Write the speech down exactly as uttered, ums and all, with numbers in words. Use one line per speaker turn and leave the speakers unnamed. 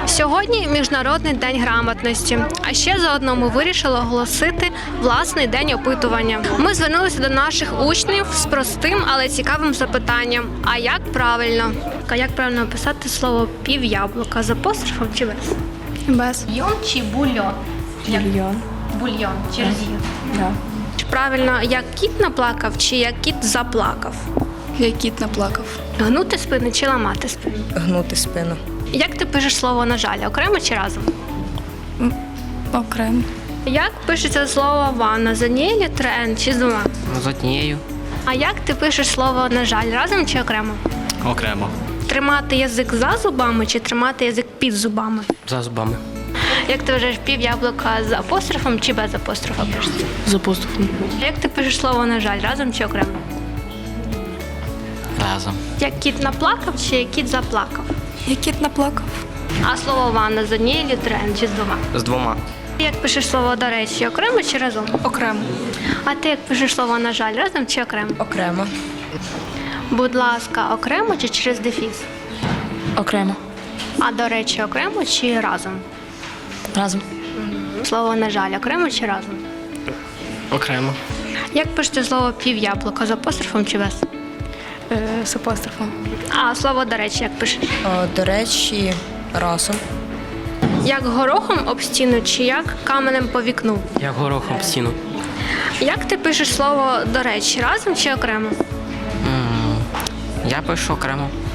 Сьогодні Міжнародний день грамотності. А ще заодно ми вирішили оголосити власний день опитування. Ми звернулися до наших учнів з простим, але цікавим запитанням. А як правильно? А як правильно описати слово пів'яблука? З апострофом чи без?
Без.
Бульйон чи бульйон?
Бульйон.
Бульйон через «ю».
Да.
Чи правильно, як кіт наплакав, чи як кіт заплакав?
Як кіт наплакав.
Гнути спину чи ламати спину?
Гнути спину.
Як ти пишеш слово «на жаль», окремо чи разом?
Окремо.
Як пишеться слово «ванна» з однією літерою «н» чи з двома?
З однією.
А як ти пишеш слово «на жаль» разом чи окремо?
Окремо.
Тримати язик за зубами чи тримати язик під зубами?
За зубами.
Як ти вважаєш, пів яблука з апострофом чи без апострофа пишеться?
З апострофом.
Як ти пишеш слово «на жаль» разом чи окремо?
Разом.
Як кіт наплакав чи як кіт заплакав?
Як кіт наплакав.
А слово «ванна» з однією літерою «н» чи з двома?
З двома.
Як пишеш слово «до речі», окремо чи разом?
Окремо.
А ти як пишеш слово «на жаль» разом чи окремо?
Окремо.
Будь ласка, окремо чи через дефіс?
Окремо.
А до речі, окремо чи разом?
Разом.
Слово «на жаль» окремо чи разом?
Окремо.
Як пишете слово «пів яблука» з апострофом чи без?
Е, з апострофом.
А слово «до речі» як пишеш?
О, до речі, разом.
Як горохом об стіну чи як каменем по вікну?
Як горохом в стіну.
Як ти пишеш слово «до речі» разом чи окремо?
М, Я пишу окремо.